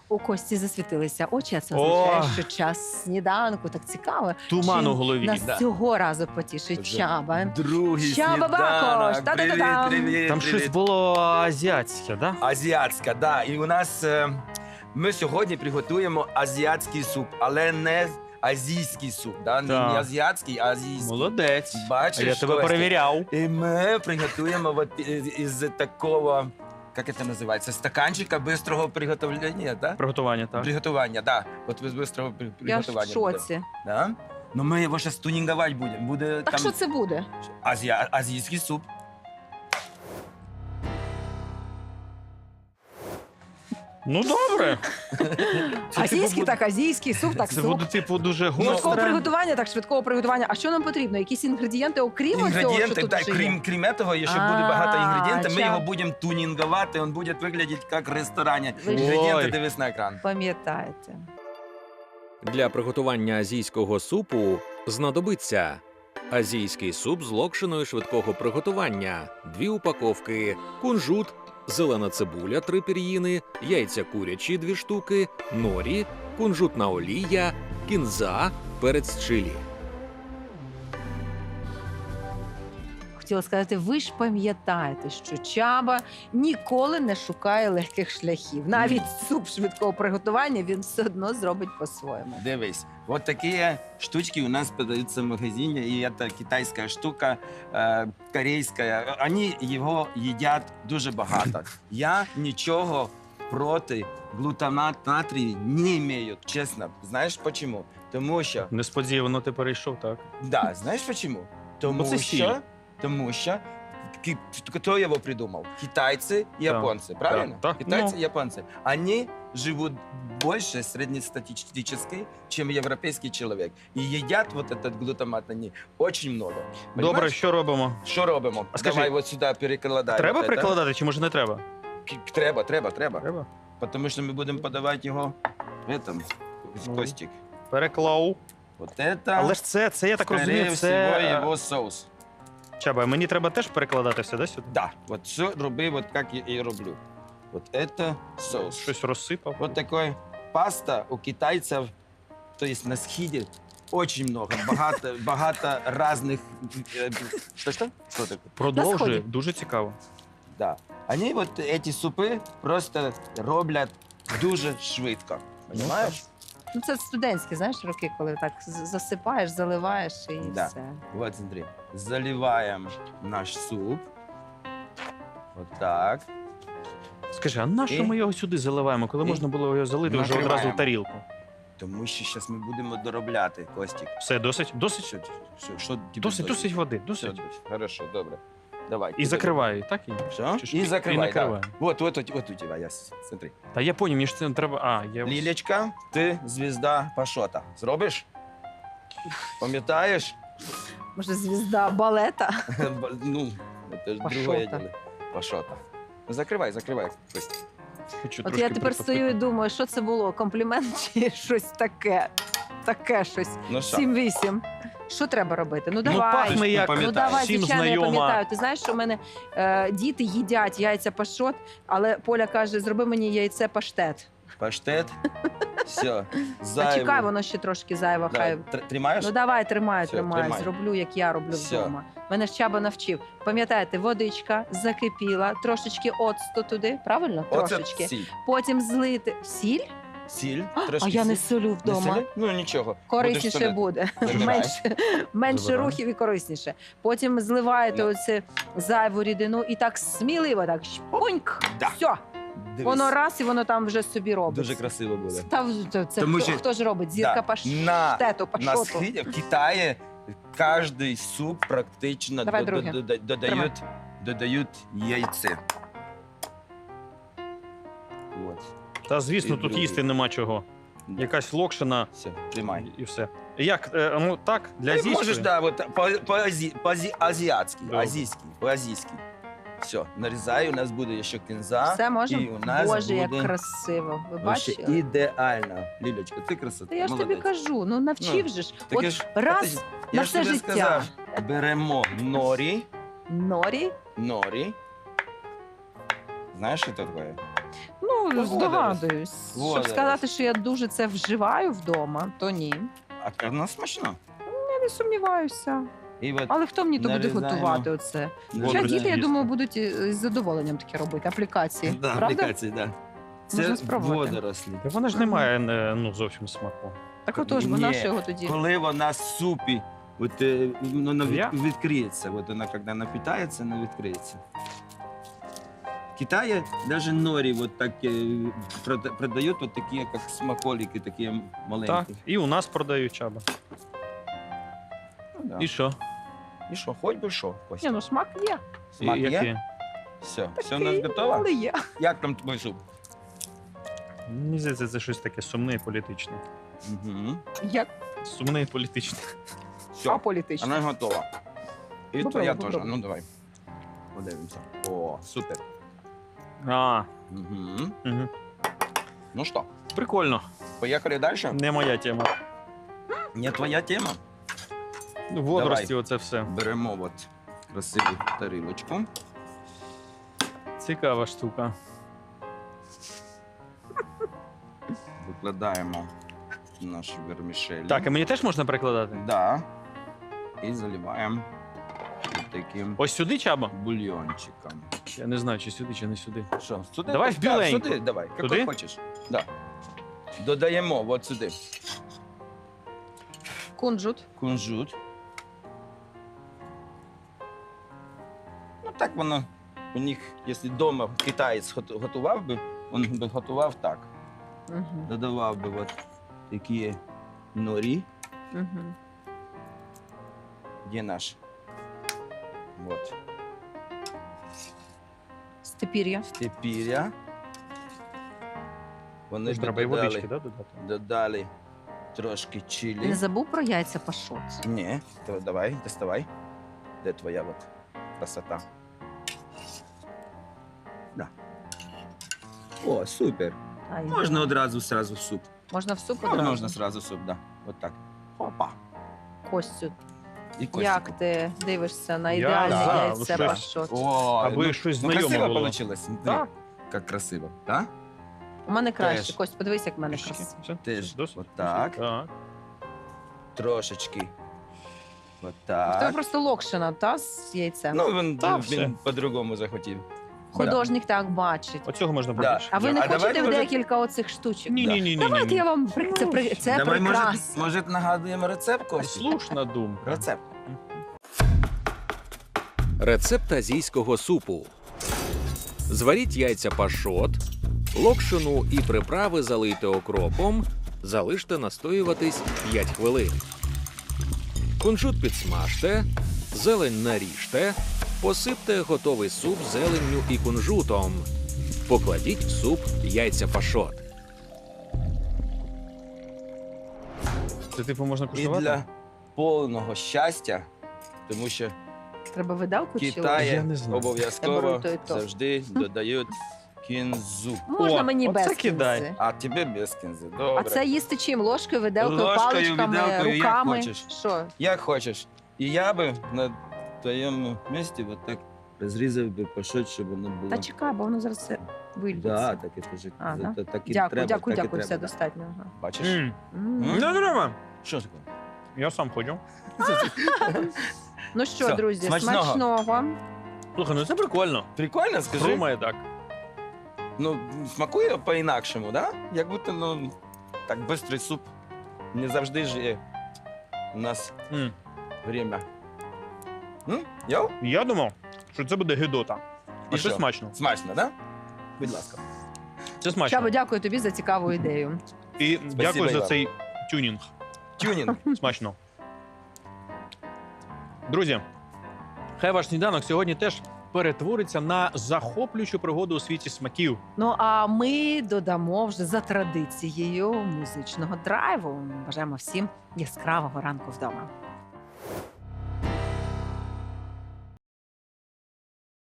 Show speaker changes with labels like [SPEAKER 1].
[SPEAKER 1] У Кості засвітилися очі, а це означає, що час сніданку. Так цікаво.
[SPEAKER 2] Туман у
[SPEAKER 1] Чим
[SPEAKER 2] голові.
[SPEAKER 1] нас
[SPEAKER 3] Да.
[SPEAKER 1] цього разу потішить
[SPEAKER 3] Вже
[SPEAKER 1] Чаба.
[SPEAKER 3] Другий
[SPEAKER 1] Чаба Бакош!
[SPEAKER 3] сніданок.
[SPEAKER 1] Та-да-да-дам!
[SPEAKER 3] Привіт.
[SPEAKER 2] Там щось було азіатське, да?
[SPEAKER 3] Азіатська, да. І у нас ми сьогодні приготуємо азіатський суп, але не азійський суп. Да? Не
[SPEAKER 2] Так.
[SPEAKER 3] азіатський, а азійський.
[SPEAKER 2] Молодець.
[SPEAKER 3] Бачиш,
[SPEAKER 2] А я тебе
[SPEAKER 3] Костя?
[SPEAKER 2] перевіряв.
[SPEAKER 3] І ми приготуємо вот із такого, як це називається, стаканчика бистрого приготовлення, да?
[SPEAKER 2] Приготування, так.
[SPEAKER 3] Приготування, да. От без бистрого
[SPEAKER 1] Я ж в
[SPEAKER 3] приготування. буде.
[SPEAKER 1] шоці.
[SPEAKER 3] Да? Ну ми його зараз тунінговать будемо. Буде
[SPEAKER 1] Так
[SPEAKER 3] там
[SPEAKER 1] що це буде?
[SPEAKER 3] азійський суп.
[SPEAKER 2] Ну добре. Це,
[SPEAKER 1] Азійський,
[SPEAKER 2] типу,
[SPEAKER 1] так азійський, суп, так
[SPEAKER 2] Це
[SPEAKER 1] суп.
[SPEAKER 2] буде, типу, дуже
[SPEAKER 1] Швидкого
[SPEAKER 2] гостре.
[SPEAKER 1] приготування, так швидкого приготування. А що нам потрібно? Якісь інгредієнти, окрім цього, що
[SPEAKER 3] Інгредієнти,
[SPEAKER 1] тут
[SPEAKER 3] так,
[SPEAKER 1] вже є?
[SPEAKER 3] крім этого, ще буде багато інгредієнтів. Ми
[SPEAKER 1] ча-
[SPEAKER 3] його будемо тунінговати, він буде виглядати як в ресторані.
[SPEAKER 1] Ви ж-
[SPEAKER 3] Інгредієнти
[SPEAKER 2] Ой.
[SPEAKER 3] дивись на екран.
[SPEAKER 1] Пам'ятаєте.
[SPEAKER 4] Для приготування азійського супу знадобиться азійський суп з локшиною швидкого приготування, 2 упаковки, кунжут, зелена цибуля 3 пір'їни, яйця курячі 2 штуки, норі, кунжутна олія, кінза, перець чилі.
[SPEAKER 1] Хотіла сказати, ви ж пам'ятаєте, що Чаба ніколи не шукає легких шляхів. Навіть суп швидкого приготування він все одно зробить по-своєму.
[SPEAKER 3] Дивись, от такі штучки у нас продаються в магазині, і це китайська штука, корейська. Вони його їдять дуже багато. Я нічого проти глутамат натрію не маю, чесно. Знаєш чому? Тому що,
[SPEAKER 2] Несподівано ти перейшов, так.
[SPEAKER 3] да, знаєш чому? Тому
[SPEAKER 2] це сіль.
[SPEAKER 3] що хто його придумав? Китайці і японці, правильно?
[SPEAKER 2] Так.
[SPEAKER 3] Китайцы
[SPEAKER 2] Ну.
[SPEAKER 3] и японцы. Они живут больше среднестатистически, чем европейский человек. И едят вот этот глутамат они очень много.
[SPEAKER 2] Добре,
[SPEAKER 3] Понимаешь?
[SPEAKER 2] що робимо?
[SPEAKER 3] Що робимо?
[SPEAKER 2] А скажи,
[SPEAKER 3] Давай вот сюди перекладаємо.
[SPEAKER 2] Треба
[SPEAKER 3] вот это.
[SPEAKER 2] прикладати чи може не треба?
[SPEAKER 3] Треба.
[SPEAKER 2] Треба.
[SPEAKER 3] Тому що ми будемо подавати його в этом,
[SPEAKER 2] Ну.
[SPEAKER 3] Костик.
[SPEAKER 2] Переклав.
[SPEAKER 3] Вот это,
[SPEAKER 2] Але ж це я так
[SPEAKER 3] скорее
[SPEAKER 2] розумію,
[SPEAKER 3] всего,
[SPEAKER 2] це...
[SPEAKER 3] його соус.
[SPEAKER 2] Чаба, мені треба теж перекладати все, да, сюди?
[SPEAKER 3] Да, вот все роби, вот как я и роблю. Вот это соус.
[SPEAKER 2] Щось розсипав.
[SPEAKER 3] Вот такой паста у китайцев, то есть на схиде, очень много, багато разных... Что? Что такое?
[SPEAKER 2] Продовжує,
[SPEAKER 1] сході.
[SPEAKER 2] дуже цікаво.
[SPEAKER 3] Да. Они вот эти супи просто роблять дуже швидко. Понимаешь?
[SPEAKER 1] Ну це студентські, знаєш, роки, коли так засипаєш, заливаєш і
[SPEAKER 3] Да.
[SPEAKER 1] все.
[SPEAKER 3] Вот смотри, заливаем наш суп. Вот так.
[SPEAKER 2] Скажи, а на що
[SPEAKER 3] І-
[SPEAKER 2] ми його сюди заливаємо, коли
[SPEAKER 3] і
[SPEAKER 2] можна було його залити вже
[SPEAKER 3] накриваємо.
[SPEAKER 2] одразу в тарілку?
[SPEAKER 3] Тому що зараз ми будемо доробляти, Костік.
[SPEAKER 2] Все, досить? Досить?
[SPEAKER 3] Що тебе
[SPEAKER 2] Досить води,
[SPEAKER 3] Все,
[SPEAKER 2] досить.
[SPEAKER 3] хорошо, добре. Давай.
[SPEAKER 2] І закриваю, так?
[SPEAKER 3] Все?
[SPEAKER 2] Чи ж
[SPEAKER 3] І
[SPEAKER 2] і
[SPEAKER 3] закривай,
[SPEAKER 2] накриваю.
[SPEAKER 3] да. Вот у тебя, смотри.
[SPEAKER 2] Та я поняв, мені ж це не треба.
[SPEAKER 3] Лілечка, ти звізда Пашота. Зробиш? Пам'ятаєш?
[SPEAKER 1] Може, звізда балета?
[SPEAKER 3] Ну, це ж
[SPEAKER 1] Пашота.
[SPEAKER 3] другое діло. Пашота. Ну, закривай, Костя.
[SPEAKER 2] Хочу
[SPEAKER 1] От
[SPEAKER 2] трошки
[SPEAKER 1] я тепер стою і
[SPEAKER 2] прихопити.
[SPEAKER 1] думаю, що це було? Комплімент чи щось таке? Таке щось.
[SPEAKER 3] Ну що?
[SPEAKER 1] 7-8. Що треба робити? Ну
[SPEAKER 2] Ну,
[SPEAKER 1] давай.
[SPEAKER 2] пахне як
[SPEAKER 3] Ну,
[SPEAKER 1] Ну давай,
[SPEAKER 2] всім
[SPEAKER 1] звичайно, я
[SPEAKER 2] знайома.
[SPEAKER 1] пам'ятаю. Ти знаєш, що в мене діти їдять яйця пашот, але Поля каже, зроби мені яйце паштет.
[SPEAKER 3] Паштет. Все.
[SPEAKER 1] А чекай, воно ще трошки зайво. Хай.
[SPEAKER 3] Тримаєш?
[SPEAKER 1] Ну давай, тримаю,
[SPEAKER 3] Все,
[SPEAKER 1] тримаю.
[SPEAKER 3] тримай.
[SPEAKER 1] Зроблю, як я роблю
[SPEAKER 3] Все.
[SPEAKER 1] вдома. Мене ж Чаба навчив. Пам'ятаєте, водичка закипіла, трошечки оцту туди, правильно?
[SPEAKER 3] Оце
[SPEAKER 1] Трошечки.
[SPEAKER 3] сіль.
[SPEAKER 1] Потім злити сіль.
[SPEAKER 3] Сіль,
[SPEAKER 1] А
[SPEAKER 3] трошки
[SPEAKER 1] я не
[SPEAKER 3] сіль.
[SPEAKER 1] солю
[SPEAKER 3] Не
[SPEAKER 1] вдома.
[SPEAKER 3] сіль? Ну нічого.
[SPEAKER 1] Корисніше
[SPEAKER 3] Будеш соляти.
[SPEAKER 1] буде.
[SPEAKER 3] Забирай.
[SPEAKER 1] Менше
[SPEAKER 2] Забирай.
[SPEAKER 1] рухів і корисніше. Потім зливаєте
[SPEAKER 3] Ну.
[SPEAKER 1] оце зайву рідину і так сміливо, так шпуньк.
[SPEAKER 3] Да.
[SPEAKER 1] Все.
[SPEAKER 3] Дивись.
[SPEAKER 1] Воно раз і воно там вже собі робить.
[SPEAKER 3] Дуже красиво буде.
[SPEAKER 1] Це
[SPEAKER 3] Тому
[SPEAKER 1] хто,
[SPEAKER 3] що-
[SPEAKER 1] хто ж робить? Зірка
[SPEAKER 3] Да.
[SPEAKER 1] паштету,
[SPEAKER 3] На
[SPEAKER 1] пашоту.
[SPEAKER 3] схиді, в Китаї кожний суп практично
[SPEAKER 1] Давай друге.
[SPEAKER 3] додають яйце. Вот.
[SPEAKER 2] Та звісно,
[SPEAKER 3] І
[SPEAKER 2] тут
[SPEAKER 3] другий.
[SPEAKER 2] їсти нема чого.
[SPEAKER 3] Да.
[SPEAKER 2] Якась локшина
[SPEAKER 3] Все, тримай.
[SPEAKER 2] і все. Як, ну так, для
[SPEAKER 3] Ти
[SPEAKER 2] азійської?
[SPEAKER 3] можеш, да, вот, по-азійськи,
[SPEAKER 2] Добре.
[SPEAKER 3] по-азійськи. Все, нарізаю, у нас буде ще кінза.
[SPEAKER 1] Все можемо?
[SPEAKER 3] І у нас
[SPEAKER 1] Боже, як
[SPEAKER 3] буде
[SPEAKER 1] красиво. Ви
[SPEAKER 3] вообще
[SPEAKER 1] бачили?
[SPEAKER 3] ідеально. Лілечка, ти красота,
[SPEAKER 1] Та я ж тобі
[SPEAKER 3] молодець.
[SPEAKER 1] кажу, ну навчив же ж.
[SPEAKER 3] Так
[SPEAKER 1] От
[SPEAKER 3] я ж-
[SPEAKER 1] раз
[SPEAKER 3] Я
[SPEAKER 1] на
[SPEAKER 3] ж
[SPEAKER 1] все
[SPEAKER 3] тобі
[SPEAKER 1] життя.
[SPEAKER 3] сказав, беремо норі.
[SPEAKER 1] Норі.
[SPEAKER 3] Знаєш, що це таке?
[SPEAKER 1] Ну,
[SPEAKER 3] Водорос.
[SPEAKER 1] здогадуюсь. Щоб
[SPEAKER 3] Водорос.
[SPEAKER 1] сказати, що я дуже це вживаю вдома, то ні.
[SPEAKER 3] А воно смачно.
[SPEAKER 1] Я не сумніваюся.
[SPEAKER 3] І от
[SPEAKER 1] Але хто мені то буде
[SPEAKER 3] нарізаємо.
[SPEAKER 1] готувати оце? Хоча
[SPEAKER 2] Водорості
[SPEAKER 1] діти, я
[SPEAKER 2] їсти.
[SPEAKER 1] думаю, будуть з задоволенням таке робити. Аплікації.
[SPEAKER 3] да,
[SPEAKER 1] Правда?
[SPEAKER 3] аплікації, да.
[SPEAKER 1] Можна
[SPEAKER 3] Це
[SPEAKER 1] спробувати.
[SPEAKER 3] водорослі.
[SPEAKER 2] Та вона ж не має ну, зовсім смаку.
[SPEAKER 1] Так отож, бо
[SPEAKER 3] Ні.
[SPEAKER 1] на що його тоді?
[SPEAKER 3] Коли вона в супі, от, вона
[SPEAKER 2] Я?
[SPEAKER 3] відкриється. От вона, коли напитається, вона відкриється. В Китаї навіть норі вот так, продають вот такі, як смаколики, такі маленькі.
[SPEAKER 2] Так, і у нас продають чаба.
[SPEAKER 3] Ну, да.
[SPEAKER 2] І що?
[SPEAKER 3] І що, хоч би що, Костя.
[SPEAKER 1] Ні, ну смак є.
[SPEAKER 3] Смак
[SPEAKER 2] І
[SPEAKER 3] є?
[SPEAKER 2] які?
[SPEAKER 3] Все, все у
[SPEAKER 1] Такий,
[SPEAKER 3] нас готово?
[SPEAKER 1] Але є.
[SPEAKER 3] Як там твій суп?
[SPEAKER 2] Мені здається, це щось таке сумне і політичне.
[SPEAKER 3] Угу.
[SPEAKER 1] Як
[SPEAKER 2] Сумне і політичне.
[SPEAKER 3] Все,
[SPEAKER 1] аполітично.
[SPEAKER 3] вона готова. І
[SPEAKER 1] Попробуй,
[SPEAKER 3] твоя теж.
[SPEAKER 1] попробуй.
[SPEAKER 3] Ну давай. Подивимося. О, супер.
[SPEAKER 2] А,
[SPEAKER 3] Угу.
[SPEAKER 2] угу.
[SPEAKER 3] Ну що,
[SPEAKER 2] Прикольно.
[SPEAKER 3] поїхали далі?
[SPEAKER 2] Не моя тема.
[SPEAKER 3] Не твоя тема?
[SPEAKER 2] Ну, водорості, оце все.
[SPEAKER 3] Беремо от красиву тарілочку.
[SPEAKER 2] Цікава штука.
[SPEAKER 3] Викладаємо нашу вермішель.
[SPEAKER 2] Так, і мені теж можна перекладати?
[SPEAKER 3] Да. І заливаємо таким
[SPEAKER 2] Ось сюди чаба?
[SPEAKER 3] бульйончиком.
[SPEAKER 2] Я не знаю, чи сюди, чи не сюди.
[SPEAKER 3] Що, сюди?
[SPEAKER 2] Давай в
[SPEAKER 3] Так,
[SPEAKER 2] біленьку.
[SPEAKER 3] Сюди, давай,
[SPEAKER 2] Туди?
[SPEAKER 3] як хочеш. Да. Додаємо от сюди
[SPEAKER 1] Кунжут.
[SPEAKER 3] кунжут. Ну так воно у них, якщо вдома китаєць готував би, він би готував так.
[SPEAKER 1] Угу.
[SPEAKER 3] Додавав би от такі норі.
[SPEAKER 1] Угу.
[SPEAKER 3] Де наш? Вот.
[SPEAKER 1] Степір'я.
[SPEAKER 3] Степіря. Вони
[SPEAKER 2] Тож
[SPEAKER 3] б
[SPEAKER 2] треба і водички,
[SPEAKER 3] додали,
[SPEAKER 2] да, додати?
[SPEAKER 3] додали трошки
[SPEAKER 1] Ти
[SPEAKER 3] чилі.
[SPEAKER 1] не забув про яйця пашот?
[SPEAKER 3] Ні, то давай, доставай. Де твоя от красота? Да. О, супер.
[SPEAKER 1] Ай,
[SPEAKER 3] Можна одразу сразу в суп.
[SPEAKER 1] Можна в суп
[SPEAKER 3] Ну,
[SPEAKER 1] одразу?
[SPEAKER 3] можна сразу в суп, да. От так. Опа.
[SPEAKER 1] Костю,
[SPEAKER 3] І костик.
[SPEAKER 1] як ти дивишся на
[SPEAKER 2] Я
[SPEAKER 1] ідеальне
[SPEAKER 2] за,
[SPEAKER 1] яйце
[SPEAKER 2] ну,
[SPEAKER 1] пашот?
[SPEAKER 3] О,
[SPEAKER 2] Аби щось
[SPEAKER 3] ну,
[SPEAKER 2] знайоме
[SPEAKER 3] красиво
[SPEAKER 2] було.
[SPEAKER 3] получилось.
[SPEAKER 2] Так.
[SPEAKER 3] Як красиво, так?
[SPEAKER 1] У мене краще.
[SPEAKER 3] Теж.
[SPEAKER 1] Кость, подивись, як в мене
[SPEAKER 2] Трішки.
[SPEAKER 1] красиво.
[SPEAKER 2] Все?
[SPEAKER 3] Теж.
[SPEAKER 2] Досить?
[SPEAKER 3] Отак.
[SPEAKER 2] Так.
[SPEAKER 3] Трошечки. От
[SPEAKER 1] В тебе
[SPEAKER 3] так.
[SPEAKER 1] просто локшина, та, з яйцем?
[SPEAKER 3] Ну, він,
[SPEAKER 2] Та, все.
[SPEAKER 3] він по-другому захотів.
[SPEAKER 1] Художник так бачить.
[SPEAKER 2] Оцього можна
[SPEAKER 3] Да.
[SPEAKER 2] побільше.
[SPEAKER 1] А ви не
[SPEAKER 3] А давайте,
[SPEAKER 1] хочете в
[SPEAKER 3] може-
[SPEAKER 1] декілька оцих штучок?
[SPEAKER 2] Ні, ні, ні, ні.
[SPEAKER 1] Давайте я вам це
[SPEAKER 3] Давай,
[SPEAKER 1] прекрасно.
[SPEAKER 3] може, нагадуємо рецепт, Костя?
[SPEAKER 2] Слушна думка.
[SPEAKER 3] Рецепт.
[SPEAKER 4] Рецепт азійського супу. Зваріть яйця пашот, локшину і приправи залийте окропом, залиште настоюватись 5 хвилин. Кунжут підсмажте, зелень наріжте, посипте готовий суп зеленню і кунжутом. Покладіть в суп яйця пашот.
[SPEAKER 2] Це типу можна
[SPEAKER 3] І
[SPEAKER 2] куштувати?
[SPEAKER 3] для повного щастя, тому що
[SPEAKER 1] Треба видалку
[SPEAKER 3] в
[SPEAKER 1] чи
[SPEAKER 2] Я
[SPEAKER 3] Китаї
[SPEAKER 2] не знаю.
[SPEAKER 1] Я
[SPEAKER 3] обов'язково
[SPEAKER 1] беру то і то.
[SPEAKER 3] завжди додають кінзу.
[SPEAKER 1] можна
[SPEAKER 2] О,
[SPEAKER 1] мені
[SPEAKER 2] оце
[SPEAKER 1] без
[SPEAKER 2] кидай.
[SPEAKER 1] кінзи?
[SPEAKER 3] А тебе без кінзи. Добре.
[SPEAKER 1] А це їсти чим? Ложкою, виделкою,
[SPEAKER 3] Ложкою,
[SPEAKER 1] паличками,
[SPEAKER 3] виделкою, як
[SPEAKER 1] руками?
[SPEAKER 3] хочеш.
[SPEAKER 1] Що?
[SPEAKER 3] Як хочеш. І я би на твоєму місці от так розрізав би пашот, щоб воно було.
[SPEAKER 1] Та чекай, бо воно зараз все вильється.
[SPEAKER 3] Да, так і кажуть.
[SPEAKER 1] А, да?
[SPEAKER 3] Так і
[SPEAKER 1] Дякую,
[SPEAKER 3] треба,
[SPEAKER 1] дякую,
[SPEAKER 3] так і
[SPEAKER 1] дякую, все
[SPEAKER 3] треба.
[SPEAKER 1] достатньо. Ага.
[SPEAKER 3] Бачиш?
[SPEAKER 2] М.
[SPEAKER 1] М.
[SPEAKER 3] М?
[SPEAKER 2] Не треба.
[SPEAKER 3] Що таке?
[SPEAKER 2] Я сам ходжу.
[SPEAKER 1] Ну що,
[SPEAKER 3] Все,
[SPEAKER 1] друзі,
[SPEAKER 3] смачного.
[SPEAKER 1] смачного.
[SPEAKER 2] Слухай, ну це прикольно.
[SPEAKER 3] Прикольно, скажи.
[SPEAKER 2] Думає так.
[SPEAKER 3] Ну, смакує по-інакшому, да? Як будто, ну, так швидкий суп. Не завжди ж є у нас
[SPEAKER 2] М.
[SPEAKER 3] время. Йоу?
[SPEAKER 2] Я думав, що це буде гидота. А
[SPEAKER 3] І
[SPEAKER 2] це
[SPEAKER 3] що?
[SPEAKER 2] смачно.
[SPEAKER 3] Смачно, да? Будь ласка.
[SPEAKER 2] Це смачно.
[SPEAKER 1] Чабо, дякую тобі за цікаву ідею.
[SPEAKER 2] І дякую за
[SPEAKER 3] Іван.
[SPEAKER 2] цей тюнінг.
[SPEAKER 3] Тюнінг.
[SPEAKER 2] Смачно. Друзі, хай ваш сніданок сьогодні теж перетвориться на захоплюючу пригоду у світі смаків.
[SPEAKER 1] Ну а ми додамо вже за традицією музичного драйву. Бажаємо всім яскравого ранку вдома.